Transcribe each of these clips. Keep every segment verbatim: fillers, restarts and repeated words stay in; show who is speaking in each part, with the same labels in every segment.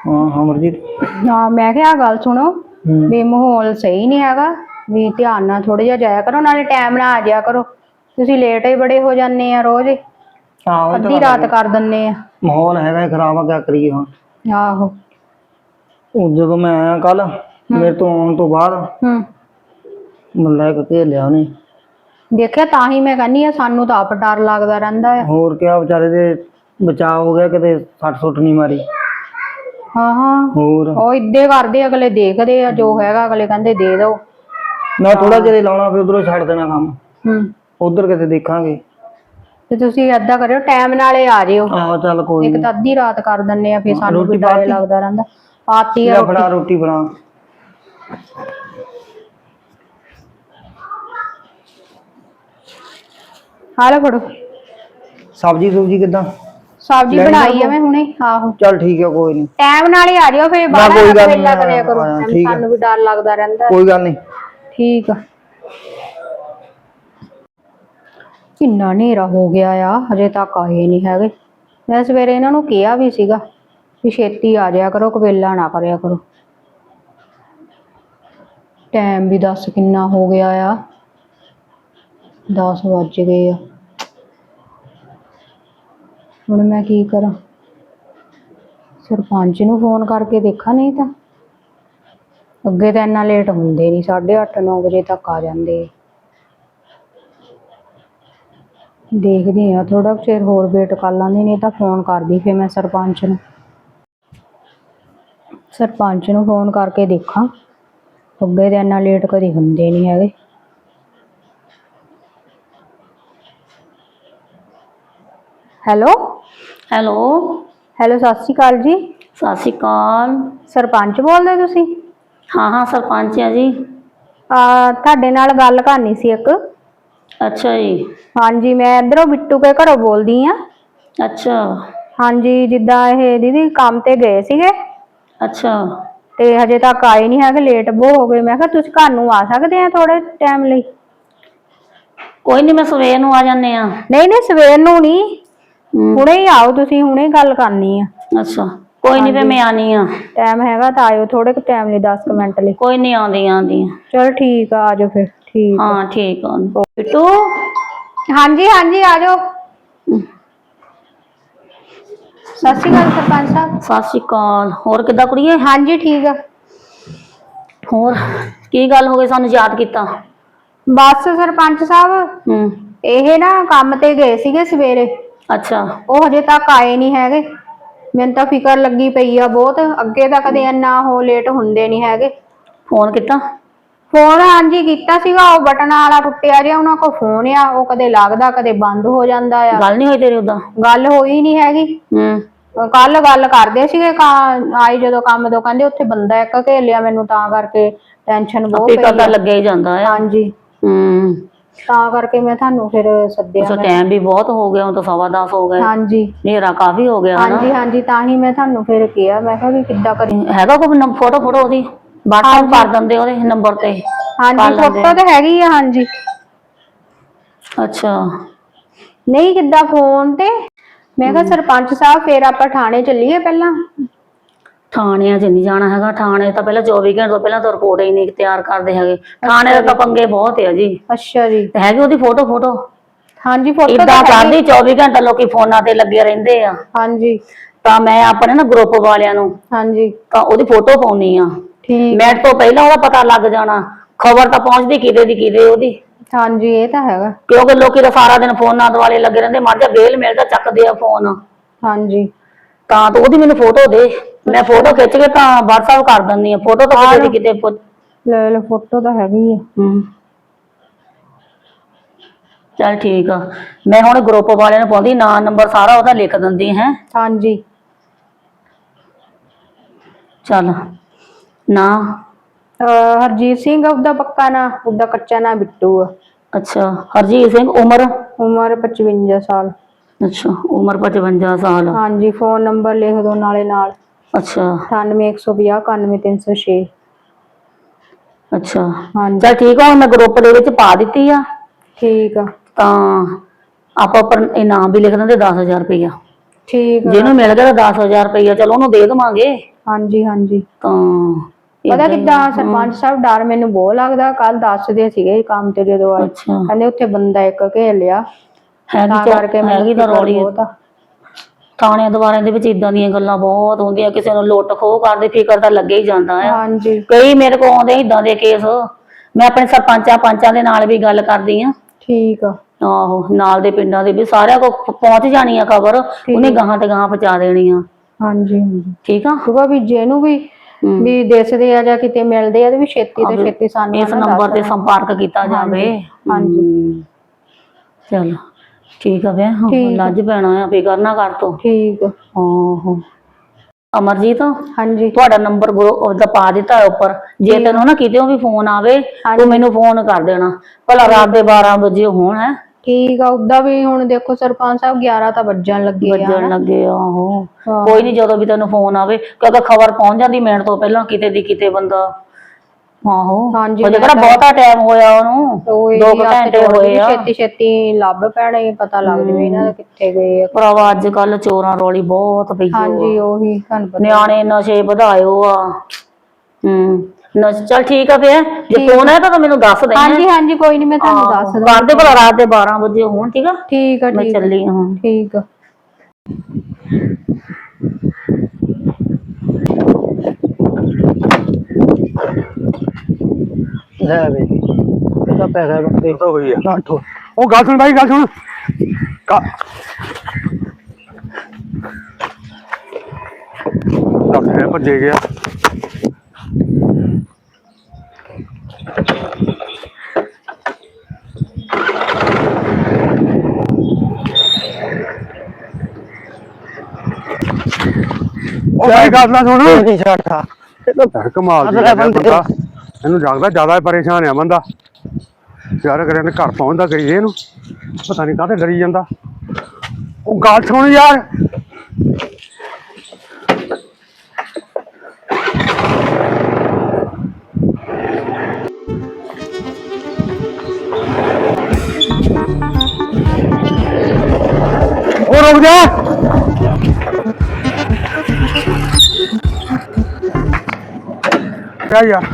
Speaker 1: हाँ अमरजीत
Speaker 2: हाँ मैं क्या गल सुनो भी माहौल सही नहीं हैगा भी ध्यान नाल थोड़ा जिहा जाया करो नाले टाइम नाल आ जाया करो तुसीं लेट ही बड़े हो जाने आ रोज अद्धी रात कर दिंदे आ
Speaker 1: माहौल हैगा खराब है क्या करिए हुण
Speaker 2: आहो
Speaker 1: ਜਦੋਂ मैं आया कल मेरे तो आने तो बाद मतलब घेर लिया उन्हें
Speaker 2: देखिया तां ही मैं कहनी आ सानू तो आप डर लगदा रहिंदा है
Speaker 1: होर क्या बेचारे दे बचाव हो गया किते सट सुट नहीं मारी
Speaker 2: हाँ हाँ
Speaker 1: होर
Speaker 2: ਉਹ इद्दे करदे अगले देखदे आ जो हैगा अगले कहंदे दे दो
Speaker 1: मैं थोड़ा चिर लाउणा फिर उधरों छड्ड देना काम
Speaker 2: हम्म
Speaker 1: उधर किते देखांगे
Speaker 2: ਤੇ ਤੁਸੀਂ ਏਦਾਂ ਕਰਿਓ ਟਾਈਮ ਨਾਲੇ ਆ ਜਿਓ
Speaker 1: ਆਹੋ ਚੱਲ ਕੋਈ
Speaker 2: ਇੱਕ ਤਾਂ ਅੱਧੀ ਰਾਤ ਕਰ ਦਿੰਨੇ ਆ ਫਿਰ ਸਾਨੂੰ ਵੀ ਡਰ ਲੱਗਦਾ ਰਹਿੰਦਾ ਪਾਤੀ ਆ
Speaker 1: ਫੜਾ ਰੋਟੀ ਬਣਾ
Speaker 2: ਹਾਲੇ ਫੜੋ
Speaker 1: ਸਬਜੀ ਸੁਬਜੀ ਕਿਦਾਂ
Speaker 2: ਸਬਜੀ ਬਣਾਈ ਆ ਮੈਂ ਹੁਣੇ ਆਹੋ
Speaker 1: ਚੱਲ ਠੀਕ ਹੈ ਕੋਈ ਨਹੀਂ
Speaker 2: ਟਾਈਮ ਨਾਲ ਹੀ ਆ ਜਿਓ ਫਿਰ ਬਾਹਰ ਵੇਲਾ ਕਰਿਆ ਕਰੋ ਸਾਨੂੰ ਵੀ ਡਰ ਲੱਗਦਾ ਰਹਿੰਦਾ
Speaker 1: ਕੋਈ ਗੱਲ ਨਹੀਂ
Speaker 2: ਠੀਕ ਆ किन्ना नेरा हो गया आ हजे तक आए नहीं है मैं सवेरे इन्हों कहा भी सीगा कि छेती आ जाया करो कवेला ना करया करो टाइम भी दस किन्ना हो गया आ दस बज गए हुण मैं की करा सरपंच नूं फोन करके देखा नहीं तो अगे तो इन्ना लेट होंदे नहीं साढ़े अठ नौ बजे तक आ जाते देखदी हाँ थोड़ा चिर होर वेट कर लांदी नहीं तो फोन कर दी फिर मैं सरपंच नूं सरपंच नूं फोन करके देखा अगे तो इन्ना लेट कभी हुंदे नहीं है हैलो
Speaker 3: हैलो
Speaker 2: हैलो सत श्री अकाल जी
Speaker 3: सत श्री अकाल
Speaker 2: सरपंच बोलदे तुसीं
Speaker 3: हाँ हाँ सरपंच है जी
Speaker 2: तुहाडे नाल गल करनी सी एक
Speaker 3: अच्छा जी
Speaker 2: हाँ जी मैं इधरों बिट्टू के घरों बोलदी हाँ
Speaker 3: अच्छा
Speaker 2: हाँ जी जिद्दां ये दीदी काम ते गए सीगे
Speaker 3: अच्छा
Speaker 2: ते हजे तक आए नहीं है लेट बहुत हो गए मैं कहा तुसीं घर नूं आ सकदे आ थोड़े टाइम लई
Speaker 3: कोई नहीं मैं सवेर नूं आ जाने आ
Speaker 2: नहीं नहीं सवेर नूं नहीं हुणे ही आओ तुसीं हुणे गल करनी आ
Speaker 3: अच्छा कोई नहीं फिर मैं आनी आ
Speaker 2: टाइम हैगा तां आयो थोड़े टाइम लई दस मिनट लई
Speaker 3: कोई नहीं आंदी आंदी
Speaker 2: चल ठीक आ जाओ फिर ठीक
Speaker 3: हाँ ठीक है बिट्टू
Speaker 2: हाँ जी हाँ जी आ जाओ सत श्री अकाल सरपंच साहब
Speaker 3: सत श्री अकाल होर किद्दां कुड़िए
Speaker 2: हाँ जी ठीक है
Speaker 3: होर की गल हो गई सानू याद किया
Speaker 2: बस सरपंच साहब
Speaker 3: हम्म
Speaker 2: ਇਹ ਨਾ ਕੰਮ ਤੇ ਗਏ ਸੀਗੇ ਸਵੇਰੇ
Speaker 3: अच्छा
Speaker 2: ਉਹ ਹਜੇ ਤੱਕ ਆਏ ਨਹੀਂ ਹੈਗੇ ਮੈਨੂੰ ਤਾਂ ਫਿਕਰ ਲੱਗੀ ਪਈ ਆ ਬਹੁਤ ਅੱਗੇ ਤਾਂ ਕਦੇ ਇੰਨਾ ਉਹ ਲੇਟ ਹੁੰਦੇ ਨਹੀਂ ਹੈਗੇ
Speaker 3: फोन किया
Speaker 2: ਫੋਨ ਹਾਂਜੀ ਕੀਤਾ ਸੀਗਾ ਉਹ ਬਟਨ ਵਾਲਾ ਟੁੱਟਿਆ ਜਿਹਾ ਉਹਨਾਂ ਕੋਲ ਫੋਨ ਆ ਉਹ ਕਦੇ ਲੱਗਦਾ ਕਦੇ ਬੰਦ ਹੋ ਜਾਂਦਾ ਆ
Speaker 3: गल नहीं हुई तेरी उदा
Speaker 2: ਗੱਲ ਹੋਈ ਨਹੀਂ ਹੈਗੀ
Speaker 3: हम्म
Speaker 2: ਕੱਲ ਗੱਲ ਕਰਦੇ ਸੀਗੇ ਆਈ ਜਦੋਂ ਕੰਮ ਤੋਂ ਕਹਿੰਦੇ ਉੱਥੇ ਬੰਦਾ ਇੱਕ ਘੇਲਿਆ ਮੈਨੂੰ ਤਾਂ ਕਰਕੇ ਟੈਨਸ਼ਨ ਬਹੁਤ ਪਈ
Speaker 3: ਪਤਾ ਲੱਗੇ ਹੀ ਜਾਂਦਾ ਹੈ
Speaker 2: ਹਾਂਜੀ
Speaker 3: ਹੂੰ
Speaker 2: ਤਾਂ ਕਰਕੇ ਮੈਂ ਤੁਹਾਨੂੰ ਫਿਰ ਸੱਦਿਆ
Speaker 3: ਸੋ ਟਾਈਮ ਵੀ ਬਹੁਤ ਹੋ ਗਿਆ ਹੁਣ ਤਾਂ ਸਵਾ ਦਸ ਹੋ ਗਏ
Speaker 2: ਹਾਂਜੀ
Speaker 3: ਹਨੇਰਾ ਕਾਫੀ ਹੋ ਗਿਆ
Speaker 2: ਹਾਂਜੀ ਹਾਂਜੀ ਤਾਂ ਹੀ ਮੈਂ ਤੁਹਾਨੂੰ ਫਿਰ ਕਿਹਾ ਮੈਂ ਕਿਹਾ ਵੀ ਕਿੱਦਾਂ ਕਰੀ
Speaker 3: ਹੈਗਾ ਕੋਈ ਫੋਟੋ ਫੋਟੋ ਉਹਦੀ WhatsApp ਕਰ ਦਿੰਦੇ ਉਹਦੇ ਨੰਬਰ ਤੇ
Speaker 2: ਹਾਂਜੀ ਫੋਟੋ ਤੇ ਹੈਗੀ ਆ ਹਾਂਜੀ
Speaker 3: ਅੱਛਾ
Speaker 2: ਨਹੀਂ ਕਿੱਦਾਂ ਫੋਨ ਤੇ ਮੈਂ ਕਿਹਾ ਸਰਪੰਚ ਸਾਹਿਬ ਫਿਰ ਆਪਾਂ ਥਾਣੇ ਚੱਲੀਏ ਪਹਿਲਾਂ
Speaker 3: ਥਾਣਿਆਂ 'ਚ ਨਹੀਂ ਜਾਣਾ ਹੈਗਾ ਥਾਣੇ ਤਾਂ ਪਹਿਲਾਂ ਚੌਵੀ ਘੰਟੇ ਤੋਂ ਪਹਿਲਾਂ ਤਾਂ ਰਿਪੋਰਟ ਹੀ ਨਹੀਂ ਤਿਆਰ ਕਰਦੇ ਹੈਗੇ ਥਾਣੇ ਦਾ ਤਾਂ ਪੰਗੇ ਬਹੁਤ ਹੈ ਜੀ
Speaker 2: ਅੱਛਾ ਜੀ
Speaker 3: ਤੇ ਹੈਗੀ ਉਹਦੀ ਫੋਟੋ ਫੋਟੋ
Speaker 2: ਹਾਂਜੀ ਫੋਟੋ
Speaker 3: ਇਦਾਂ ਕਰਦੀ ਚੌਵੀ ਘੰਟੇ ਲੋਕੀ ਫੋਨਾਂ ਤੇ ਲੱਗੇ ਰਹਿੰਦੇ ਆ
Speaker 2: ਹਾਂਜੀ
Speaker 3: ਤਾਂ ਮੈਂ ਆਪਣੇ ਨਾ ਗਰੁੱਪ ਵਾਲਿਆਂ ਨੂੰ
Speaker 2: ਹਾਂਜੀ
Speaker 3: ਤਾਂ ਉਹਦੀ ਫੋਟੋ ਪਾਉਣੀ ਆ
Speaker 2: ਠੀਕ
Speaker 3: ਮਿੰਟ ਤੋਂ ਪਹਿਲਾਂ ਉਹਦਾ ਪਤਾ ਲੱਗ ਜਾਣਾ ਖਬਰ ਤਾਂ ਪਹੁੰਚਦੀ ਕਿਤੇ ਦੀ ਕਿਤੇ ਉਹਦੀ
Speaker 2: ਹਾਂਜੀ ਇਹ ਤਾਂ ਹੈਗਾ
Speaker 3: ਕਿਉਂਕਿ ਲੋਕੀ ਤਾਂ ਸਾਰਾ ਦਿਨ ਫੋਨਾਂ ਦੁਆਲੇ ਲੱਗੇ ਰਹਿੰਦੇ ਮਰ ਜਾ ਬੇਲ ਮਿਲਦਾ ਚੱਕਦੇ ਆ ਫੋਨ
Speaker 2: ਹਾਂਜੀ
Speaker 3: ਤਾਂ ਤੂੰ ਉਹਦੀ ਮੈਨੂੰ ਫੋਟੋ ਦੇ ਮੈਂ ਫੋਟੋ ਖਿੱਚ ਕੇ ਤਾਂ WhatsApp ਕਰ ਦਿੰਦੀ ਆ ਫੋਟੋ ਤਾਂ ਕਿਤੇ ਦੀ ਕਿਤੇ
Speaker 2: ਲੈ ਲੈ ਫੋਟੋ ਤਾਂ ਹੈਗੀ ਆ
Speaker 3: ਹੂੰ ਚੱਲ ਠੀਕ ਆ ਮੈਂ ਹੁਣ ਗਰੁੱਪ ਵਾਲਿਆਂ ਨੂੰ ਪਾਉਂਦੀ ਨਾਂ ਨੰਬਰ ਸਾਰਾ ਉਹਦਾ ਲਿਖ ਦਿੰਦੀ ਹੈ
Speaker 2: ਹਾਂਜੀ
Speaker 3: ਚੱਲ ਨਾ
Speaker 2: ਹਰਜੀਤ ਸਿੰਘ ਉਹਦਾ ਪੱਕਾ ਨਾਂ ਉਹਦਾ ਕੱਚਾ ਨਾਂ ਬਿੱਟੂ ਆ
Speaker 3: ਅੱਛਾ ਹਰਜੀਤ ਸਿੰਘ ਉਮਰ
Speaker 2: ਉਮਰ ਪਚਵੰਜਾ ਸਾਲ
Speaker 3: ਅੱਛਾ ਉਮਰ ਪਚਵੰਜਾ ਸਾਲ
Speaker 2: ਹਾਂਜੀ ਫੋਨ ਨੰਬਰ ਲਿਖ ਦੋ ਨਾਲੇ ਨਾਲ
Speaker 3: ਅੱਛਾ
Speaker 2: ਅਠਾਨਵੇਂ ਇੱਕ ਸੌ ਪੰਜਾਹ ਇਕਾਨਵੇਂ ਤਿੰਨ ਸੌ ਛੇ
Speaker 3: ਅੱਛਾ
Speaker 2: ਹਾਂਜੀ
Speaker 3: ਚੱਲ ਠੀਕ ਆ ਹੁਣ ਮੈਂ ਗਰੁੱਪ ਦੇ ਵਿੱਚ ਪਾ ਦਿੱਤੀ ਆ
Speaker 2: ਠੀਕ ਆ
Speaker 3: ਤਾਂ ਆਪਾਂ ਪਰ ਇਨਾਮ ਵੀ ਲਿਖ ਦਿੰਦੇ ਦਸ ਹਜ਼ਾਰ ਰੁਪਇਆ
Speaker 2: ਠੀਕ ਆ।
Speaker 3: ਜਿਹਨੂੰ ਮਿਲ ਗਿਆ ਤਾਂ ਦਸ ਹਜ਼ਾਰ ਰੁਪਈਆ ਚਲੋ ਉਹਨੂੰ ਦੇ ਦੇਵਾਂਗੇ।
Speaker 2: ਹਾਂਜੀ ਹਾਂਜੀ।
Speaker 3: ਤਾਂ
Speaker 2: ਪਤਾ ਕਿੱਦਾਂ ਸਰਪੰਚ ਸਾਹਿਬ ਡਰ ਮੈਨੂੰ ਬਹੁਤ ਲੱਗਦਾ। ਕੱਲ ਦੱਸਦੇ ਸੀਗੇ ਕੰਮ ਤੇ ਜਦੋਂ ਆਏ,
Speaker 3: ਅੱਛਾ
Speaker 2: ਕਹਿੰਦੇ ਉੱਥੇ ਬੰਦਾ ਇੱਕ ਘੇਰ ਲਿਆ,
Speaker 3: ਹੈਗੀ
Speaker 2: ਤਾਂ
Speaker 3: ਤਾਂ
Speaker 2: ਕਰਕੇ ਮੈਨੂੰ
Speaker 3: ਹੈਗੀ ਤਾਂ
Speaker 2: ਫਿਕਰ
Speaker 3: ਰੌਲੀ
Speaker 2: ਬਹੁਤ ਆ।
Speaker 3: ਥਾਣਿਆਂ ਦੁਆਰਿਆਂ ਦੇ ਵਿੱਚ ਇਦਾਂ ਦੀਆਂ ਗੱਲਾਂ ਬਹੁਤ ਹੁੰਦੀਆਂ, ਕਿਸੇ ਨੂੰ ਲੁੱਟ ਖੋਹ ਕਰਦੇ ਫਿਕਰ ਤਾਂ ਲੱਗੇ ਹੀ ਜਾਂਦਾ ਆ।
Speaker 2: ਹਾਂਜੀ
Speaker 3: ਕਈ ਮੇਰੇ ਕੋਲ ਆਉਂਦੇ ਇਦਾਂ ਦੇ ਕੇਸ, ਮੈਂ ਆਪਣੇ ਸਰਪੰਚਾਂ ਪੰਚਾਂ ਦੇ ਨਾਲ ਵੀ ਗੱਲ ਕਰਦੀ ਆ।
Speaker 2: ਠੀਕ ਆ।
Speaker 3: ਆਹੋ ਨਾਲ ਦੇ ਪਿੰਡਾਂ ਦੇ ਵੀ ਸਾਰਿਆਂ ਕੋਲ ਪਹੁੰਚ ਜਾਣੀ ਆ ਖਬਰ, ਉਹਨੇ ਗਾਹਾਂ ਤੇ ਗਾਹਾਂ ਪਹੁੰਚਾ ਦੇਣੀ ਆ।
Speaker 2: ਹਾਂਜੀ ਹਾਂਜੀ
Speaker 3: ਠੀਕ ਆ।
Speaker 2: ਕਿਉਂਕਿ ਵੀ ਜਿਹਨੂੰ ਵੀ ਵੀ ਦਿਸਦੇ ਆ ਜਾਂ ਕਿਤੇ ਮਿਲਦੇ ਆ ਤੇ ਵੀ ਛੇਤੀ ਤੋਂ ਛੇਤੀ ਸਾਨੂੰ
Speaker 3: ਇਸ ਨੰਬਰ ਤੇ ਸੰਪਰਕ ਕੀਤਾ ਜਾਵੇ।
Speaker 2: ਹਾਂਜੀ
Speaker 3: ਚਲੋ ਠੀਕ ਆ। ਵੇ ਲੱਜ ਪੈਣਾ ਆ, ਫਿਕਰ ਨਾ ਕਰ ਤੂੰ।
Speaker 2: ਠੀਕ ਆ।
Speaker 3: ਆਹੋ ਅਮਰਜੀਤ,
Speaker 2: ਹਾਂਜੀ
Speaker 3: ਤੁਹਾਡਾ ਨੰਬਰ ਉਹਦਾ ਪਾ ਦਿੱਤਾ ਉੱਪਰ, ਜੇ ਤੈਨੂੰ ਨਾ ਕਿਤੇ ਵੀ ਫੋਨ ਆਵੇ ਤੂੰ ਮੈਨੂੰ ਫੋਨ ਕਰ ਦੇਣਾ, ਭਲਾ ਰਾਤ ਦੇ ਬਾਰਾਂ ਵਜੇ ਹੋਣ। ਹੈ
Speaker 2: ਠੀਕ ਆ। ਉਦਾਂ ਵੀ ਹੁਣ ਦੇਖੋ ਸਰਪੰਚ ਸਾਹਿਬ ਗਿਆਰਾਂ ਤਾਂ ਵੱਜਣ ਲੱਗੇ ਆ
Speaker 3: ਵੱਜਣ ਲੱਗੇ। ਆਹੋ ਕੋਈ ਨੀ, ਜਦੋਂ ਵੀ ਤੈਨੂੰ ਫੋਨ ਆਵੇ ਕਿਉਂਕਿ ਖਬਰ ਪਹੁੰਚ ਜਾਂਦੀ ਮਿੰਟ ਤੋਂ ਪਹਿਲਾਂ ਕਿਤੇ ਦੀ ਕਿਤੇ ਬੰਦਾ। ਆਹੋ
Speaker 2: ਹਾਂਜੀ
Speaker 3: ਉਹਦੇ ਕਿਹੜਾ ਬਹੁਤਾ ਟਾਈਮ ਹੋਇਆ ਉਹਨੂੰ, ਦੋ ਕੁ ਘੰਟੇ ਹੋਏ ਆ।
Speaker 2: ਛੇਤੀ ਛੇਤੀ ਲੱਭ ਪੈਣੇ, ਪਤਾ ਲੱਗ ਜਵੇ ਇਹਨਾਂ ਦਾ ਕਿੱਥੇ ਗਏ ਆ।
Speaker 3: ਭਰਾਵਾ ਅੱਜ ਕੱਲ ਚੋਰਾਂ ਰੌਲੀ ਬਹੁਤ ਪਈ।
Speaker 2: ਹਾਂਜੀ ਉਹੀ ਤੁਹਾਨੂੰ ਪਤਾ,
Speaker 3: ਨਿਆਣੇ ਨਸ਼ੇ ਵਧਾਇਓ ਆ। ਹੂੰ ਚੱਲ ਠੀਕ ਆ ਫੇਰ, ਜੇ ਫੋਨ ਆਇਆ ਤਾਂ ਮੈਨੂੰ ਦੱਸ ਦੇ।
Speaker 2: ਹਾਂਜੀ ਹਾਂਜੀ ਕੋਈ ਨੀ, ਮੈਂ ਤੁਹਾਨੂੰ ਦੱਸ ਦਵਾਂ।
Speaker 3: ਕਰਦੇ ਭਲਾ ਰਾਤ ਦੇ ਬਾਰਾਂ ਵਜੇ ਹੋਣ। ਠੀਕ ਆ
Speaker 2: ਠੀਕ ਆ।
Speaker 3: ਮੈਂ ਚੱਲੀ ਹਾਂ।
Speaker 2: ਠੀਕ ਆ।
Speaker 1: ਲੈ ਵੇ ਇਹਦਾ ਪੈਸਾ ਬੰਦੇ
Speaker 4: ਤਾਂ ਹੋਈ ਆ।
Speaker 1: ਨਾ ਠੋ
Speaker 4: ਉਹ ਗੱਲ ਸੁਣ ਬਾਈ, ਗੱਲ ਸੁਣ। ਦੱਸ ਹੈ ਭੱਜੇ ਗਿਆ। ਉਹ ਬਾਈ ਗੱਲ ਨਾ ਸੁਣ।
Speaker 1: ਨਹੀਂ ਛੱਡਦਾ ਇਹ ਤਾਂ
Speaker 4: ਕਮਾਲ ਦੀ
Speaker 1: ਅਸਲ
Speaker 4: ਬੰਦਾ,
Speaker 1: ਬੰਦੇ
Speaker 4: ਇਹਨੂੰ ਜਾਗਦਾ ਜ਼ਿਆਦਾ ਪਰੇਸ਼ਾਨ ਆ ਬੰਦਾ ਯਾਰ। ਕਰਿਆ ਘਰ ਪਹੁੰਚਦਾ ਕਰੀਏ ਇਹਨੂੰ, ਪਤਾ ਨਹੀਂ ਕਾਹਤੇ ਡਰੀ ਜਾਂਦਾ। ਉਹ ਗੱਲ ਸੁਣ ਯਾਰ। ਉਹ ਰੁਕ ਜਾ। ਕਿਆ ਯਾਰ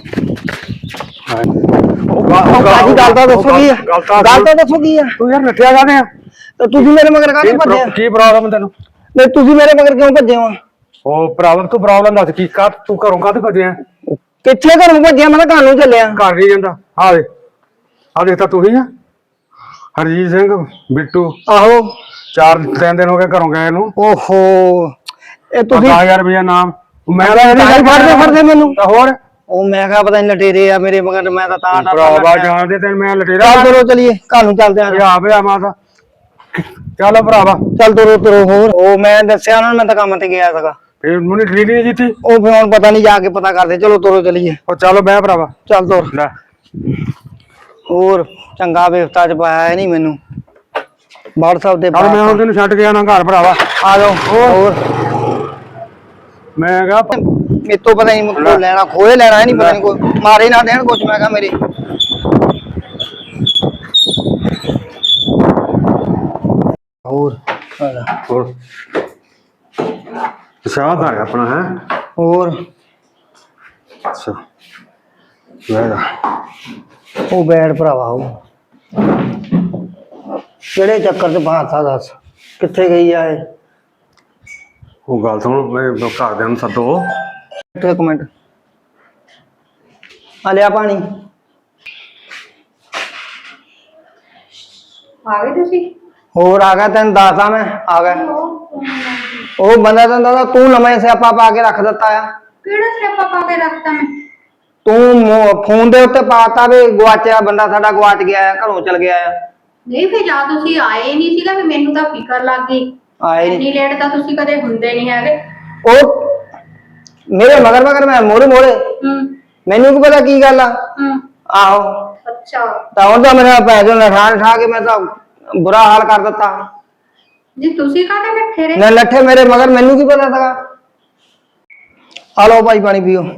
Speaker 1: ਭਾਜੀ ਗੱਲ ਤਾਂ ਦੱਸੋ ਕੀ ਆ? ਗੱਲ ਤਾਂ ਦੱਸੋ ਕੀ ਆ?
Speaker 4: ਤੂੰ ਯਾਰ ਨੱਠਿਆ ਕਾਹਦੇ ਆ?
Speaker 1: ਤੇ ਤੁਸੀਂ ਮੇਰੇ ਮਗਰ ਕਾਹਦੇ ਭੱਜੇ ਆ?
Speaker 4: ਕੀ ਪ੍ਰੋਬਲਮ ਤੈਨੂੰ?
Speaker 1: ਨਹੀਂ ਤੁਸੀਂ ਮੇਰੇ ਮਗਰ ਕਿਉਂ ਭੱਜੇ ਹੋ?
Speaker 4: ਉਹ ਪ੍ਰੋਬਲਮ ਤੂੰ ਪ੍ਰੋਬਲਮ ਦੱਸ ਕੀ ਕਾ ਤੂੰ ਘਰੋਂ ਕਾਹਦੇ ਭੱਜਿਆ?
Speaker 1: ਕਿੱਥੇ ਘਰੋਂ ਭੱਜਿਆ? ਮੈਂ ਤਾਂ ਘਰ ਨੂੰ ਚੱਲਿਆ।
Speaker 4: ਘਰ ਨਹੀਂ ਜਾਂਦਾ। ਆ ਦੇ ਆ ਦੇਖ ਤਾਂ ਤੂੰ ਹੀ ਆ ਹਰਜੀਤ ਸਿੰਘ ਬਿੱਟੂ।
Speaker 1: ਆਹੋ
Speaker 4: ਚਾਰ ਤਿੰਨ ਦਿਨ ਹੋ ਗਏ ਘਰੋਂ ਗਏ ਨੂੰ।
Speaker 1: ਓਹੋ ਇਹ ਤੁਸੀਂ
Speaker 4: ਦਸ ਹਜ਼ਾਰ ਰੁਪਇਆ ਨਾਮ ਮੈਂ
Speaker 1: ਤਾਂ ਫੜਦੇ ਫੜਦੇ ਮੈਨੂੰ
Speaker 4: ਤਾਂ ਹੋਰ
Speaker 1: ਉਹ ਮੈਂ ਕਿਹਾ ਪਤਾ ਨਹੀਂ ਲਟੇਰੇ ਆ ਮੇਰੇ ਮਗਰ। ਮੈਂ ਤਾਂ ਤਾਂ
Speaker 4: ਭਰਾਵਾ ਜਾਣਦੇ ਤੈਨੂੰ ਮੈਂ ਲਟੇਰਾ।
Speaker 1: ਚੱਲ ਤੁਰੋ ਚਲੀਏ ਘਰ ਨੂੰ ਚੱਲਦੇ ਆ।
Speaker 4: ਆ ਪਿਆ ਮਾਤਾ ਚੱਲ ਭਰਾਵਾ
Speaker 1: ਚੱਲ ਤੁਰੋ ਤੁਰੋ। ਹੋਰ ਉਹ ਮੈਂ ਦੱਸਿਆ ਉਹਨਾਂ ਨੂੰ ਮੈਂ ਤਾਂ ਕੰਮ ਤੇ ਗਿਆ ਸੀਗਾ।
Speaker 4: ਫੇਰ ਮੈਨੂੰ ਡਿਲੀਵਰੀ ਨਹੀਂ ਦਿੱਤੀ।
Speaker 1: ਉਹ ਫਿਰ ਹੁਣ ਪਤਾ ਨਹੀਂ ਜਾ ਕੇ ਪਤਾ ਕਰਦੇ। ਚਲੋ ਤੁਰੋ ਚਲੀਏ।
Speaker 4: ਉਹ ਚੱਲ ਬਹਿ ਭਰਾਵਾ
Speaker 1: ਚੱਲ ਤੁਰ।
Speaker 4: ਲੈ
Speaker 1: ਹੋਰ ਚੰਗਾ ਵਿਵਸਥਾ ਚ ਪਾਇਆ ਨਹੀਂ ਮੈਨੂੰ WhatsApp ਤੇ।
Speaker 4: ਚੱਲ ਮੈਂ ਹੁਣ ਤੈਨੂੰ ਛੱਡ ਗਿਆ ਨਾ ਘਰ ਭਰਾਵਾ।
Speaker 1: ਆ ਜਾਓ। ਹੋਰ
Speaker 4: ਮੈਂ ਕਿਹਾ
Speaker 1: ਮੇਰੇ ਤੋਂ ਪਤਾ ਨਹੀਂ ਮੁੱਕੋ ਲੈਣਾ ਖੋਏ ਲੈਣਾ ਨਹੀਂ ਪਤਾ ਨਹੀਂ ਕੋਈ ਮਾਰੇ ਨਾ ਦੇਣ ਕੁਛ। ਮੈਂ ਕਿਹਾ ਮੇਰੇ ਹੋਰ
Speaker 4: ਹੋਰ ਸ਼ਾਦ ਆ ਆਪਣਾ ਹੈ।
Speaker 1: ਹੋਰ
Speaker 4: ਅੱਛਾ ਵੇਗਾ
Speaker 1: ਉਹ ਬੈਠ ਭਰਾਵਾ। ਉਹ ਕਿਹੜੇ ਚੱਕਰ ਚ ਬਾਤਾ ਦੱਸ ਕਿੱਥੇ ਗਈ ਆ ਇਹ?
Speaker 4: ਉਹ ਗੱਲ ਸੁਣ, ਮੈਂ ਘਰਦਿਆਂ ਨੂੰ ਸੱਦੋ।
Speaker 1: ਇੱਕ ਮਿੰਟ ਆ ਲਿਆ ਪਾਣੀ।
Speaker 2: ਆ ਗਏ ਤੁਸੀਂ?
Speaker 1: ਹੋਰ ਆ ਗਿਆ। ਤੈਨੂੰ ਦੱਸਦਾ ਮੈਂ ਆ ਗਿਆ। ਉਹ ਬੰਦਾ ਤੈਨੂੰ ਤੂੰ ਨਵੇਂ ਸਿਆਪਾ ਪਾ ਕੇ ਰੱਖ ਦਿੱਤਾ ਆ।
Speaker 2: ਕਿਹੜਾ ਸਿਆਪਾ ਪਾ ਕੇ ਰੱਖਤਾ ਮੈਂ?
Speaker 1: ਤੂੰ ਫੋਨ ਦੇ ਉੱਤੇ ਪਾਤਾ ਵੀ ਗਵਾਚਿਆ ਬੰਦਾ ਸਾਡਾ ਗਵਾਚ ਗਿਆ ਆ, ਘਰੋਂ ਚਲ ਗਿਆ ਆ।
Speaker 2: ਨਹੀਂ ਫਿਰ ਜਾਂ ਤੁਸੀਂ ਆਏ ਨਹੀਂ ਸੀਗਾ ਵੀ ਮੈਨੂੰ ਤਾਂ ਫਿਕਰ ਲੱਗ ਗਈ।
Speaker 1: ਆਏ
Speaker 2: ਇੰਨੀ ਲੇਟ ਤਾਂ ਤੁਸੀਂ ਕਦੇ ਹੁੰਦੇ ਨਹੀਂ ਹੈਗੇ।
Speaker 1: ਉਹ ਮੇਰੇ ਮਗਰ ਮਗਰ ਮੈਂ ਮੋੜੇ ਮੋੜੇ
Speaker 2: ਹੂੰ
Speaker 1: ਮੈਨੂੰ ਕੀ ਪਤਾ ਕੀ ਗੱਲ ਆ।
Speaker 2: ਹੂੰ
Speaker 1: ਆਹੋ
Speaker 2: ਅੱਛਾ।
Speaker 1: ਤਾਂ ਉਹਦਾ ਮੇਰਾ ਪੈਸੇ ਨਠਾ ਨਠਾ ਕੇ ਮੈਂ ਤਾਂ ਬੁਰਾ ਹਾਲ ਕਰ ਦਿੱਤਾ।
Speaker 2: ਜੀ ਤੁਸੀਂ ਕਾਹਦੇ ਨੱਠੇ ਰਹੇ?
Speaker 1: ਨਾ ਲੱਠੇ ਮੇਰੇ ਮਗਰ ਮੈਨੂੰ ਕੀ ਪਤਾ ਸੀਗਾ। ਆ ਲਓ ਭਾਈ ਪਾਣੀ ਪੀਓ।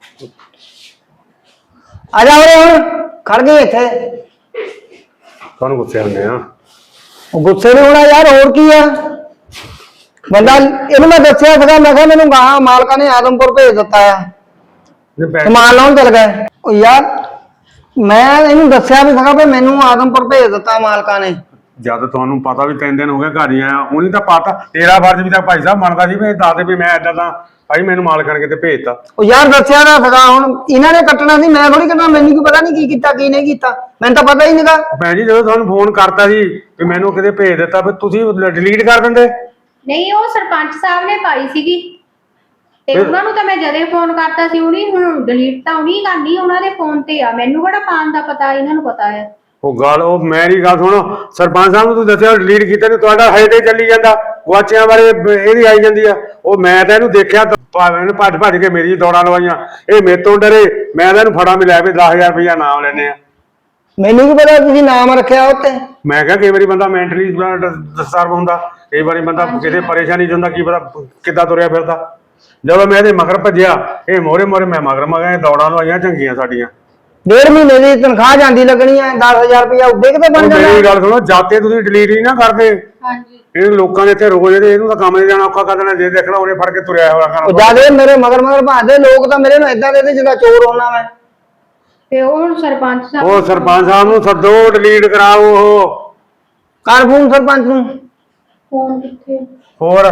Speaker 1: ਆ ਜਾ ਉਰੇ ਹੁਣ ਖੜ ਗਏ ਇੱਥੇ।
Speaker 4: ਤੁਹਾਨੂੰ ਗੁੱਸੇ ਹੁੰਦੇ ਆ?
Speaker 1: ਉਹ ਗੁੱਸੇ ਨਹੀਂ ਹੋਣਾ ਯਾਰ, ਹੋਰ ਕੀ ਆ। ਬੰਦਾ ਇਹਨੂੰ ਮੈਂ ਦੱਸਿਆ ਸੀਗਾ, ਮੈਂ ਕਿਹਾ ਮੈਨੂੰ ਗਾਹਾਂ ਮਾਲਕਾਂ ਨੇ ਆਦਮਪੁਰ ਭੇਜ ਦਿੱਤਾ ਆ,
Speaker 4: ਜੇ ਪੈਸੇ
Speaker 1: ਸਮਾਨ ਲਾਉਣ ਚਲ ਗਏ। ਉਹ ਯਾਰ ਮੈਂ ਇਹਨੂੰ ਦੱਸਿਆ ਵੀ ਸੀਗਾ ਵੀ ਮੈਨੂੰ ਆਦਮਪੁਰ ਭੇਜ ਦਿੱਤਾ ਮਾਲਕਾਂ ਨੇ।
Speaker 4: ਜਦ ਤੁਹਾਨੂੰ ਪਤਾ ਵੀ ਤਿੰਨ ਦਿਨ ਹੋ ਗਏ ਘਰ ਹੀ ਆਇਆ, ਉਹਨੇ ਤਾਂ ਪਤਾ ਤੇਰਾ ਫਰਜ਼ ਵੀ ਤਾਂ ਭਾਈ ਸਾਹਿਬ ਬਣਦਾ ਸੀ ਵੀ ਇਹ ਦੱਸ ਦੇ ਵੀ ਮੈਂ ਏਦਾਂ ਦਾ ਭਾਈ ਮੈਨੂੰ ਮਾਲ ਕਰਕੇ ਤੇ ਭੇਜਤਾ।
Speaker 1: ਉਹ ਯਾਰ ਦੱਸਿਆ ਤਾਂ ਸੀਗਾ, ਹੁਣ ਇਹਨਾਂ ਨੇ ਕੱਟਣਾ ਸੀ, ਮੈਂ ਥੋੜੀ ਕੱਟਣਾ। ਮੈਨੂੰ ਕੀ ਪਤਾ ਨਹੀਂ ਕੀ ਕੀਤਾ ਕੀ ਨਹੀਂ ਕੀਤਾ, ਮੈਨੂੰ ਤਾਂ ਪਤਾ ਹੀ ਨਹੀਂਗਾ।
Speaker 4: ਭੈਣ ਜੀ ਜਦੋਂ ਤੁਹਾਨੂੰ ਫੋਨ ਕਰਤਾ ਸੀ ਵੀ ਮੈਨੂੰ ਕਿਤੇ ਭੇਜ ਦਿੱਤਾ, ਫਿਰ ਤੁਸੀਂ ਡਿਲੀਟ ਕਰ ਦਿੰਦੇ।
Speaker 2: ਨਹੀਂ, ਉਹ ਸਰਪੰਚ ਸਾਹਿਬ ਨੇ ਪਾਈ ਸੀਗੀ ਤੇ ਉਹਨਾਂ ਨੂੰ ਤਾਂ ਮੈਂ ਜਦੇ ਫੋਨ ਕਰਤਾ ਸੀ, ਉਹਨੇ ਹੁਣ ਡਿਲੀਟ ਤਾਂ ਉਹਨੇ ਕਰਨੀ, ਉਹਨਾਂ ਦੇ ਫੋਨ ਤੇ ਆ, ਮੈਨੂੰ ਕਿਹੜਾ ਪਾਣ ਦਾ ਪਤਾ, ਇਹਨਾਂ ਨੂੰ ਪਤਾ ਹੈ।
Speaker 4: ਉਹ ਗੱਲ ਉਹ ਮੇਰੀ ਗੱਲ ਸੁਣੋ, ਸਰਪੰਚ ਸਾਹਿਬ ਨੂੰ ਤੁਸੀਂ ਦੱਸਿਆ ਡਿਲੀਟ ਕੀਤਾ ਨਹੀਂ, ਤੁਹਾਡਾ ਹਜੇ ਤੇ ਚੱਲੀ ਜਾਂਦਾ। ਗੁਆਚਿਆਂ ਬਾਰੇ ਇਹਦੀ ਆਈ ਜਾਂਦੀ ਆ। ਉਹ ਮੈਂ ਤਾਂ ਇਹਨੂੰ ਦੇਖਿਆ ਭਾਵੇਂ ਭੱਜ ਭੱਜ ਕੇ ਮੇਰੀ ਦੌੜਾਂ ਲਵਾਈਆਂ, ਇਹ ਮੇਰੇ ਤੋਂ ਡਰੇ। ਮੈਂ ਤਾਂ ਇਹਨੂੰ ਫੜਾ ਮਿਲਿਆ ਵੀ ਦਸ ਹਜ਼ਾਰ ਰੁਪਇਆ ਨਾਮ ਲੈਣੇ ਆ।
Speaker 1: ਮੈਨੂੰ ਕੀ ਪਤਾ ਤੁਸੀਂ ਨਾਮ ਰੱਖਿਆ ਉੱਤੇ।
Speaker 4: ਮੈਂ ਕਿਹਾ ਕਈ ਵਾਰੀ ਬੰਦਾ ਮੈਂਟਲੀ ਡਿਸਟਰਬ ਹੁੰਦਾ, ਕਈ ਵਾਰੀ ਬੰਦਾ ਕਿਤੇ ਪਰੇਸ਼ਾਨੀ ਚ ਹੁੰਦਾ, ਕੀ ਪਤਾ ਕਿੱਦਾਂ ਤੁਰਿਆ ਫਿਰਦਾ। ਜਦੋਂ ਮੈਂ ਇਹਦੇ ਮਗਰ ਭੱਜਿਆ, ਇਹ ਮੋਰੇ ਮੋਰੇ ਮੈਂ ਮਗਰ ਮਗਰ ਦੌੜਾਂ ਲਵਾਈਆਂ ਚੰਗੀਆਂ ਸਾਡੀਆਂ।
Speaker 1: ਡੇਢ ਮਹੀਨੇ ਦੀ ਤਨਖਾਹ ਜਾਂਦੀ ਲੱਗਣੀ ਹੈ, ਦਸ ਹਜ਼ਾਰ ਰੁਪਇਆ ਉੱਡੇ ਕਿਤੇ ਬਣ ਜਾਂਦਾ।
Speaker 4: ਮੇਰੀ ਗੱਲ ਸੁਣੋ, ਜਾਤੇ ਤੁਸੀਂ ਡਿਲੀਟ ਹੀ ਨਾ ਕਰਦੇ।
Speaker 2: ਹਾਂਜੀ,
Speaker 4: ਇਹ ਲੋਕਾਂ ਦੇ ਇੱਥੇ ਰੋਜ਼ ਇਹਦੇ ਇਹਨੂੰ ਤਾਂ ਕੰਮ ਨਹੀਂ ਜਾਣਾ ਔਖਾ ਕਰ ਦੇਣਾ। ਜੇ ਦੇਖਣਾ ਉਹਨੇ ਫੜ ਕੇ ਤੁਰਿਆ ਹੋਇਆ ਖਾਣਾ।
Speaker 1: ਉਹ ਜਿਆਦੇ ਮੇਰੇ ਮਗਰ ਮਗਰ ਭਾਜਦੇ ਲੋਕ ਤਾਂ ਮੇਰੇ ਨੂੰ ਏਦਾਂ ਦੇ ਜਿੱਦਾਂ ਚੋਰ ਹੋਣਾ ਮੈਂ।
Speaker 2: ਤੇ ਉਹ ਹੁਣ ਸਰਪੰਚ ਸਾਹਿਬ
Speaker 4: ਉਹ ਸਰਪੰਚ ਸਾਹਿਬ ਨੂੰ ਸੱਦੋ, ਡਿਲੀਟ ਕਰਾਓ। ਉਹ
Speaker 1: ਕਰ ਫੋਨ ਸਰਪੰਚ ਨੂੰ।
Speaker 2: ਫੋਨ ਕਿੱਥੇ?
Speaker 4: ਹੋਰ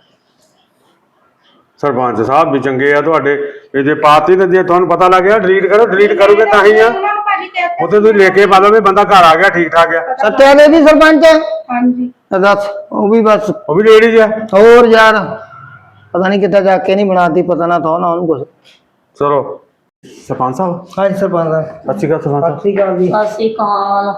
Speaker 4: ਸਰਪੰਚ ਸਾਹਿਬ ਵੀ ਚੰਗੇ ਆ ਤੁਹਾਡੇ, ਇਹ ਜੇ ਪਾਤੀ ਤੇ ਜੇ ਤੁਹਾਨੂੰ ਪਤਾ ਲੱਗ ਗਿਆ ਡਿਲੀਟ ਕਰੋ। ਡਿਲੀਟ ਕਰੋਗੇ ਤਾਂ ਹੀ ਆ, ਉੱਥੇ ਤੁਸੀਂ ਲੈ ਕੇ ਪਾ ਲਓ ਵੀ ਬੰਦਾ ਘਰ ਆ ਗਿਆ ਠੀਕ ਠਾਕ ਆ।
Speaker 1: ਸੱਤਿਆ ਦੇ ਵੀ ਸਰਪੰਚ।
Speaker 2: ਹਾਂਜੀ,
Speaker 1: ਦੱਸ ਉਹ ਵੀ ਬਸ
Speaker 4: ਉਹ ਵੀ ਲੇਡੀਜ਼ ਆ।
Speaker 1: ਹੋਰ ਯਾਰ ਪਤਾ ਨਹੀਂ ਕਿੱਦਾਂ ਜਾ ਕੇ ਨਹੀਂ ਬਣਾਤੀ, ਪਤਾ ਨਾ ਥੋ ਨਾ ਉਹਨੂੰ ਕੁਛ।
Speaker 4: ਚਲੋ ਸਰਪੰਚ ਸਾਹਿਬ।
Speaker 1: ਹਾਂਜੀ ਸਰਪੰਚ ਸਾਹਿਬ।
Speaker 4: ਸਤਿ ਸ਼੍ਰੀ ਅਕਾਲ ਸਰਪੰਚ ਸਾਹਿਬ।
Speaker 1: ਸਤਿ ਸ਼੍ਰੀ ਅਕਾਲ ਜੀ।
Speaker 3: ਸਤਿ ਸ਼੍ਰੀ ਅਕਾਲ।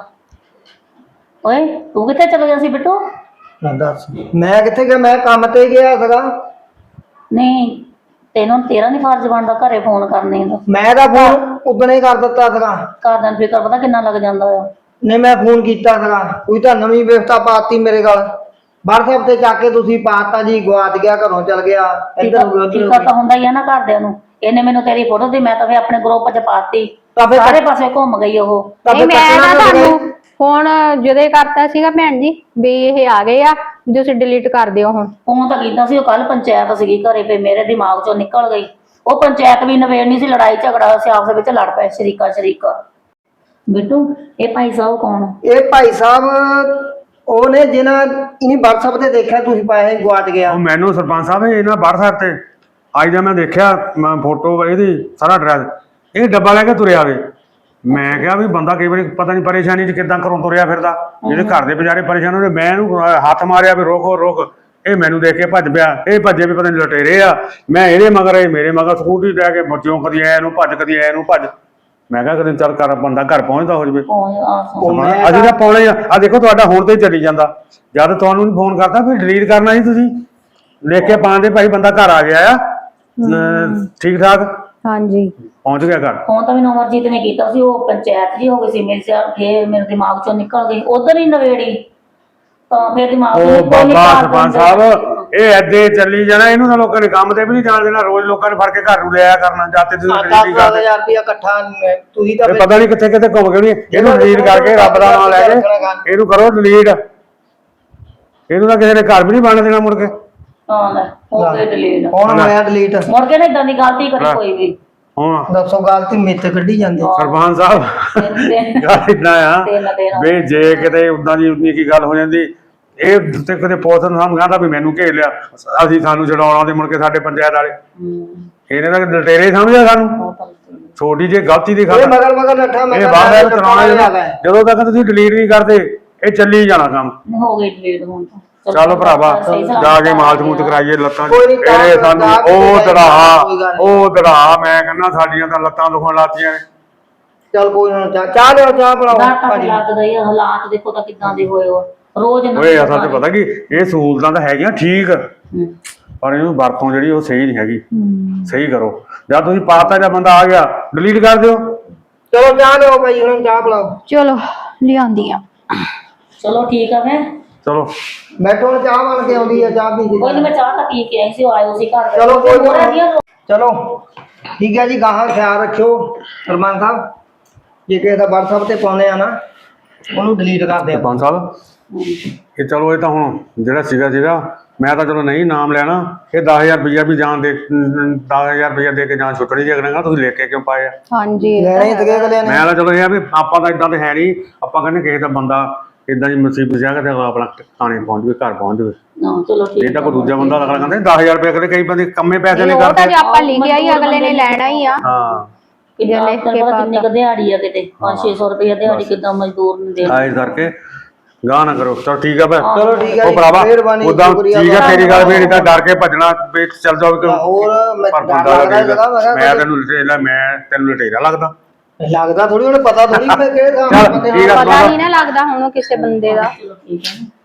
Speaker 3: ਓਏ ਤੂੰ ਕਿੱਥੇ ਚਲ ਗਿਆ ਸੀ ਬਿੱਟੂ?
Speaker 1: ਦੱਸ ਮੈਂ ਕਿੱਥੇ ਗਿਆ, ਮੈਂ ਕੰਮ ਤੇ ਗਿਆ ਸੀਗਾ।
Speaker 3: ਨਹੀਂ ਤੈਨੂੰ ਤੇਰਾ ਨਹੀਂ ਫਰਜ਼ ਬਣਦਾ ਘਰੇ ਫੋਨ ਕਰਨੇ ਦਾ?
Speaker 1: ਮੈਂ ਤਾਂ ਫੋਨ ਉਦਣੇ ਹੀ ਕਰ ਦਿੱਤਾ ਸੀਗਾ।
Speaker 3: ਘਰ ਦਾ ਫਿਕਰ ਪਤਾ ਕਿੰਨਾ ਲੱਗ ਜਾਂਦਾ ਆ।
Speaker 1: ਨਹੀਂ ਮੈਂ ਫੋਨ ਕੀਤਾ ਸੀਗਾ, ਕੋਈ ਤਾਂ ਨਵੀਂ ਵਿਵਸਥਾ ਪਾਤੀ ਮੇਰੇ ਗੱਲ। WhatsApp ਤੇ ਚੱਕ ਕੇ ਤੁਸੀਂ ਪਾਤਾ ਜੀ, ਗਵਾਚ ਗਿਆ, ਘਰੋਂ ਚਲ ਗਿਆ, ਇੱਧਰ ਹੋ ਗਿਆ ਉੱਧਰ ਹੋ
Speaker 3: ਫਿਕਰ ਤਾਂ
Speaker 1: ਗਿਆ।
Speaker 3: ਹੁੰਦਾ ਹੀ ਆ ਨਾ ਘਰਦਿਆਂ ਨੂੰ। ਇਹਨੇ ਮੈਨੂੰ ਤੇਰੀ ਫੋਟੋ ਦੀ, ਮੈਂ ਤਾਂ ਫੇ ਆਪਣੇ ਗਰੁੱਪ 'ਚ ਪਾਤੀ,
Speaker 1: ਤਾਂ ਫਿਰ
Speaker 3: ਸਾਰੇ ਪਾਸੇ ਘੁੰਮ ਗਈ ਉਹ।
Speaker 1: ਤਾਂ
Speaker 2: ਨਹੀਂ
Speaker 1: ਫਿਰ
Speaker 2: ਮੈਂ
Speaker 1: ਕੱਟਣਾ
Speaker 2: ਨਾ
Speaker 1: ਤਾਂ ਸੀਗਾ
Speaker 2: ਤੁਹਾਨੂੰ ਫੋਨ ਜਦੇ ਕਰਤਾ ਸੀਗਾ ਭੈਣ ਜੀ ਵੀ ਇਹ ਆ ਗਏ ਆ, ਵੀ ਤੁਸੀਂ ਡਿਲੀਟ ਕਰ ਦਿਓ ਹੁਣ।
Speaker 3: ਫੋਨ ਤਾਂ ਕੀਤਾ ਸੀ, ਉਹ ਕੱਲ ਪੰਚਾਇਤ ਸੀਗੀ ਘਰੇ, ਫੇ ਮੇਰੇ ਦਿਮਾਗ 'ਚੋਂ ਨਿਕਲ ਗਈ। ਉਹ ਪੰਚਾਇਤ ਵੀ ਨਵੇੜਨੀ ਸੀ, ਲੜਾਈ ਝਗੜਾ ਸੀ ਆਪਸ ਵਿੱਚ, ਲੜ ਪਏ ਸ਼ਰੀਕਾ ਸ਼ਰੀਕਾ। ਬਿੱਟੂ ਇਹ ਭਾਈ ਸਾਹਿਬ ਕੌਣ?
Speaker 1: ਇਹ ਭਾਈ ਸਾਹਿਬ ਉਹਨੇ ਜਿਹਨਾਂ ਇਨੀ WhatsApp ਤੇ ਦੇਖਿਆ ਤੁਸੀਂ ਪਾਇਆ ਸੀ, ਗਵਾਚ ਗਿਆ।
Speaker 4: ਉਹ ਮੈਨੂੰ ਸਰਪੰਚ ਸਾਹਿਬ ਇਹਨਾਂ WhatsApp ਤੇ ਅੱਜ ਦਾ ਮੈਂ ਦੇਖਿਆ, ਮੈਂ ਫੋਟੋ ਇਹਦੀ ਸਾਰਾ ਐਡਰੈਸ, ਇਹ ਡੱਬਾ ਲੈ ਕੇ ਤੁਰਿਆ ਵੇ। ਮੈਂ ਕਿਹਾ ਵੀ ਬੰਦਾ ਕਈ ਵਾਰੀ ਪਤਾ ਨਹੀਂ ਪਰੇਸ਼ਾਨੀ 'ਚ ਕਿੱਦਾਂ ਘਰੋਂ ਤੁਰਿਆ ਫਿਰਦਾ, ਜਿਹੜੇ ਘਰ ਦੇ ਵਿਚਾਰੇ ਪਰੇਸ਼ਾਨ ਹੋਣੇ। ਮੈਂ ਇਹਨੂੰ ਹੱਥ ਮਾਰਿਆ ਵੀ ਰੋਕੋ ਰੋਕ, ਇਹ ਮੈਨੂੰ ਦੇਖ ਕੇ ਭੱਜ ਪਿਆ। ਇਹ ਭੱਜੇ ਵੀ ਪਤਾ ਨਹੀਂ ਲੁਟੇਰੇ ਆ। ਮੈਂ ਇਹਦੇ ਮਗਰ, ਇਹ ਮੇਰੇ ਮਗਰ ਸਕੂਟਰੀ ਲੈ ਕੇ ਬੱਚਿਓ, ਕਦੀ ਐ ਨੂੰ ਭੱਜ ਕਦੀ ਐ ਨੂੰ ਭੱਜ। ਮੈਂ ਕਿਹਾ ਕਦੇ ਚੱਲ ਕਰ ਬੰਦਾ ਘਰ ਪਹੁੰਚਦਾ ਹੋ ਜਵੇ। ਅਸੀਂ ਤਾਂ ਪਾਉਣੇ ਆ। ਆ ਦੇਖੋ ਤੁਹਾਡਾ ਹੁਣ ਤੇ ਚੱਲੀ ਜਾਂਦਾ। ਜਦ ਤੁਹਾਨੂੰ ਫੋਨ ਕਰਤਾ ਫਿਰ ਡਿਲੀਟ ਕਰਨਾ ਸੀ ਤੁਸੀਂ, ਲਿਖ ਕੇ ਪਾਉਂਦੇ ਭਾਈ ਬੰਦਾ ਘਰ ਆ ਗਿਆ ਆ ਠੀਕ ਠਾਕ,
Speaker 2: ਹਾਂਜੀ
Speaker 3: ਪਹੁੰਚ ਗਿਆ ਘਰ। ਫੋਨ ਤਾਂ ਮੈਨੂੰ ਅਮਰਜੀਤ ਨੇ ਕੀਤਾ ਸੀ, ਉਹ ਪੰਚਾਇਤ ਜੀ ਹੋ ਗਈ ਸੀ ਮੇਰੇ ਸਿਰ, ਫੇਰ ਮੇਰੇ ਦਿਮਾਗ ਚੋਂ ਨਿਕਲ ਗਈ, ਉਧਰ ਹੀ ਨਵੇੜੀ ਤਾਂ ਫੇਰ ਦਿਮਾਗ
Speaker 4: ਉਹ ਬਾਬਾ ਸਰਪੰਚ ਸਾਹਿਬ ਇਹ ਐਦੇ ਚੱਲੀ ਜਾਣਾ, ਇਹਨੂੰ ਤਾਂ ਲੋਕਾਂ ਨੇ ਕੰਮ ਤੇ ਵੀ ਨਹੀਂ ਜਾਣ ਦੇਣਾ। ਰੋਜ਼ ਲੋਕਾਂ ਨੇ ਫੜ ਕੇ ਘਰ ਨੂੰ ਲਿਆਇਆ ਕਰਨਾ, ਜਾਤੇ ਤੁਸੀਂ ਡਿਲੀਟ
Speaker 1: ਦਸ ਹਜ਼ਾਰ ਰੁਪਇਆ ਇਕੱਠਾ ਤੁਸੀਂ ਤਾਂ
Speaker 4: ਪਤਾ ਨਹੀਂ ਕਿੱਥੇ ਕਿੱਥੇ ਘੁੰਮ ਗਏ। ਇਹਨੂੰ ਡਿਲੀਟ ਕਰਕੇ ਰੱਬ ਦਾ ਨਾਮ ਲੈ ਕੇ ਇਹਨੂੰ ਕਰੋ ਡਿਲੀਟ। ਇਹਨੂੰ ਤਾਂ ਕਿਸੇ ਨੇ ਘਰ ਵੀ ਨਹੀਂ ਬਣ ਦੇਣਾ ਮੁੜ ਕੇ।
Speaker 3: ਹਾਂ ਲੈ ਹੋ ਗਏ ਡਿਲੀਟ।
Speaker 1: ਕੌਣ ਹੋਇਆ ਡਿਲੀਟ?
Speaker 3: ਮੁੜ ਕੇ ਨਾ ਇਦਾਂ ਦੀ ਗਲਤੀ ਕਰੀ ਕੋਈ ਵੀ।
Speaker 4: ਹਾਂ
Speaker 1: ਦੱਸੋ ਗਲਤੀ ਮੇਤੇ ਕੱਢੀ ਜਾਂਦੇ
Speaker 4: ਸਰਪੰਚ ਸਾਹਿਬ। ਗੱਲ ਇਦਾਂ ਆ ਵੀ ਜੇ ਕਿਤੇ ਉਦਾਂ ਦੀ ਉਨੀ ਕੀ ਗੱਲ ਹੋ ਜਾਂਦੀ, ਇਹ ਤੇ ਕਦੇ ਪੁਲਿਸ ਨੂੰ ਸਾਨੂੰ ਕਹਿੰਦਾ ਵੀ ਮੈਨੂੰ ਘੇਰ ਲਿਆ, ਅਸੀਂ ਸਾਨੂੰ ਛਡਾਉਣਾ ਤੇ ਮੁੜ ਕੇ ਸਾਡੇ ਪੰਚਾਇਤ ਵਾਲੇ ਇਹਨੇ ਤਾਂ ਲਟੇਰੇ ਸਮਝਿਆ ਸਾਨੂੰ। ਛੋਟੀ ਜਿਹੀ ਗਲਤੀ ਦੀ ਖਾਤਰ
Speaker 1: ਮਗਰ ਮਗਰ ਨੱਠਾ ਮੈਂ
Speaker 4: ਇਹ ਬਾਹਰ ਚਲਾਉਣਾ। ਜਦੋਂ ਤੱਕ ਤੁਸੀਂ ਡਿਲੀਟ ਨਹੀਂ ਕਰਦੇ ਇਹ ਚੱਲੀ ਜਾਣਾ ਕੰਮ।
Speaker 3: ਹੋ ਗਈ ਡਿਲੀਟ ਹੁਣ ਤਾਂ।
Speaker 4: ਚਲੋ ਭਰਾਵਾ ਜਾ ਕੇ ਮਾਲ ਸਮੂਤ ਕਰਾਈਏ ਲੱਤਾਂ ਇਹ ਸਾਨੂੰ। ਉਹ ਦੜਾ ਉਹ ਦੜਾ ਮੈਂ ਕਹਿੰਦਾ ਸਾਡੀਆਂ ਤਾਂ ਲੱਤਾਂ ਦੁਖਣ ਲਾਤੀਆਂ ਨੇ।
Speaker 1: ਚੱਲ ਕੋਈ ਨਾ, ਚਾਹ ਚਾਹ ਲਿਓ, ਚਾਹ ਬਣਾਓ।
Speaker 3: ਲੱਗਦਾ ਇਹ ਹਾਲਾਤ ਦੇਖੋ ਤਾਂ ਕਿੱਦਾਂ ਦੇ ਹੋਏ ਹੋ ਰੋਜ਼।
Speaker 4: ਓਏ ਅਸਲ ਤੇ ਪਤਾ ਕੀ ਇਹ ਸਹੂਲਤਾਂ ਤਾਂ ਹੈਗੀਆਂ ਠੀਕ, ਪਰ ਇਹਨੂੰ ਵਰਤੋਂ ਜਿਹੜੀ ਉਹ ਸਹੀ ਨਹੀਂ ਹੈਗੀ। ਸਹੀ ਕਰੋ। ਜਦ ਤੁਸੀਂ ਪਾਤਾ ਜਾਂ ਬੰਦਾ ਆ ਗਿਆ ਡਿਲੀਟ ਕਰ ਦਿਓ।
Speaker 1: ਚਲੋ ਚਾਹ ਲਿਓ ਭਾਈ, ਹੁਣ ਚਾਹ ਬਣਾਓ।
Speaker 2: ਚਲੋ ਲਿਆਂਦੀ ਆ।
Speaker 3: ਚਲੋ ਠੀਕ ਆ ਮੈਂ
Speaker 4: ਚਲੋ
Speaker 1: ਬੈਠੋ, ਹੁਣ ਚਾਹ ਬਣ ਕੇ ਆਉਂਦੀ ਆ, ਚਾਹ ਪੀ ਕੇ
Speaker 3: ਕੋਈ ਨਹੀਂ ਮੈਂ ਚਾਹ ਤਾਂ ਪੀ ਕੇ ਆਈ ਸੀ, ਉਹ ਆਇਓ ਸੀ ਘਰ।
Speaker 1: ਚਲੋ ਕੋਈ ਨਹੀਂ, ਚਲੋ ਠੀਕ ਹੈ ਜੀ। ਗਾਹਾਂ ਖਿਆਲ ਰੱਖਿਓ ਸਰਪੰਚ ਸਾਹਿਬ, ਜੇ ਕਿਸੇ ਦਾ WhatsApp ਤੇ ਪਾਉਂਦੇ ਆ ਨਾ ਉਹਨੂੰ ਡਿਲੀਟ ਕਰ ਦਿਓ।
Speaker 4: ਸਰਪੰਚ ਸਾਹਿਬ ਇਹ ਚਲੋ ਇਹ ਤਾਂ ਹੁਣ ਜਿਹੜਾ ਸੀਗਾ ਸੀਗਾ ਮੈਂ ਤਾਂ ਚਲੋ ਨਹੀਂ ਨਾਮ ਲੈਣਾ, ਇਹ ਦਸ ਹਜ਼ਾਰ ਰੁਪਈਆ ਵੀ ਜਾਣ ਦੇ ਦਸ ਹਜ਼ਾਰ ਰੁਪਈਆ ਦੇ ਕੇ ਜਾਣ ਛੁੱਟਣੀ ਜੇ ਕਰਾਂਗਾ, ਤੁਸੀਂ ਲੈ ਕੇ ਕਿਉਂ ਪਾਏ ਆ?
Speaker 2: ਹਾਂਜੀ
Speaker 1: ਲੈਣਾ ਹੀ ਤਗੇ ਅਗਲੇ ਨੇ।
Speaker 4: ਮੈਂ ਤਾਂ ਚਲੋ ਇਹ ਆ ਵੀ ਆਪਾਂ ਤਾਂ ਇਦਾਂ ਤੇ ਹੈ ਨਹੀਂ, ਆਪਾਂ ਕਹਿੰਦੇ ਕਿਸੇ ਦਾ ਬੰਦਾ ਇਦਾਂ ਦੀ ਮੁਸੀਬਤ ਜਾ ਕੇ ਤੇ ਆਪਣਾ ਥਾਣੇ ਪਹੁੰਚ ਜਾਵੇ, ਘਰ ਪਹੁੰਚ ਜਾਵੇ।
Speaker 3: ਹਾਂ ਚਲੋ ਠੀਕ
Speaker 4: ਇਹ ਤਾਂ ਕੋਈ ਦੂਜਾ ਬੰਦਾ ਅਗਲਾ ਕਹਿੰਦਾ ਦਸ ਹਜ਼ਾਰ ਰੁਪਏ ਕਦੇ ਕਈ ਬੰਦੇ ਕੰਮੇ ਪੈਸੇ ਨਹੀਂ
Speaker 2: ਉਹ ਤਾਂ
Speaker 4: ਕਰਦੇ।
Speaker 2: ਜੇ ਆਪਾਂ ਲਿਖਿਆ ਹੀ ਅਗਲੇ ਨੇ ਲੈਣਾ ਹੀ ਆ।
Speaker 4: ਹਾਂ
Speaker 3: ਕਿੰਨਾ ਪਤਾ ਕਿੰਨੀ ਕੁ ਦਿਹਾੜੀ ਆ, ਕਿਤੇ ਪੰਜ ਛੇ ਸੌ ਰੁਪਇਆ ਦਿਹਾੜੀ ਕਿੱਦਾਂ ਮਜ਼ਦੂਰ ਨੂੰ ਦੇ।
Speaker 4: ਆ ਇਸ ਕਰਕੇ ਗਾਹ ਨਾ ਕਰੋ। ਚਲ ਠੀਕ ਆ ਫਿਰ,
Speaker 1: ਚਲੋ ਠੀਕ ਹੈ
Speaker 4: ਉਹ
Speaker 1: ਜੀ,
Speaker 4: ਭਰਾਵਾ
Speaker 1: ਮਿਹਰਬਾਨੀ,
Speaker 4: ਉਦਾਂ
Speaker 1: ਸ਼ੁਕਰੀਆ
Speaker 4: ਠੀਕ ਆ
Speaker 1: ਤੁਹਾਡਾ।
Speaker 4: ਤੇਰੀ ਗੱਲ ਵੀ ਇਦਾਂ ਡਰ ਕੇ ਭੱਜਣਾ ਵੀ ਚੱਲ ਜਾਓ ਕਿ
Speaker 1: ਹੋਰ ਮੈਂ
Speaker 4: ਪਰ
Speaker 1: ਡਰ
Speaker 4: ਬੰਦਾ
Speaker 1: ਲੱਗਦਾ
Speaker 4: ਲੱਗੇਗਾ।
Speaker 1: ਸੀਗਾ, ਮੈਂ ਕਿਹਾ
Speaker 4: ਮੈਂ ਤੈਨੂੰ ਲਟੇਰਾ ਮੈਂ ਤੈਨੂੰ ਲਟੇਰਾ ਲੱਗਦਾ।
Speaker 1: ਲੱਗਦਾ ਥੋੜੀ, ਉਹਨੂੰ ਪਤਾ ਥੋੜੀ ਮੈਂ ਕਿਹੜੇ ਹਿਸਾਬ ਨਾਲ
Speaker 4: ਚੱਲ
Speaker 1: ਬੰਦੇ
Speaker 4: ਠੀਕ ਆ
Speaker 2: ਪਤਾ ਨਹੀਂ ਨਾ ਲੱਗਦਾ ਹੁਣ ਕਿਸੇ ਬੰਦੇ ਦਾ।
Speaker 3: ਚਲੋ ਠੀਕ ਹੈ।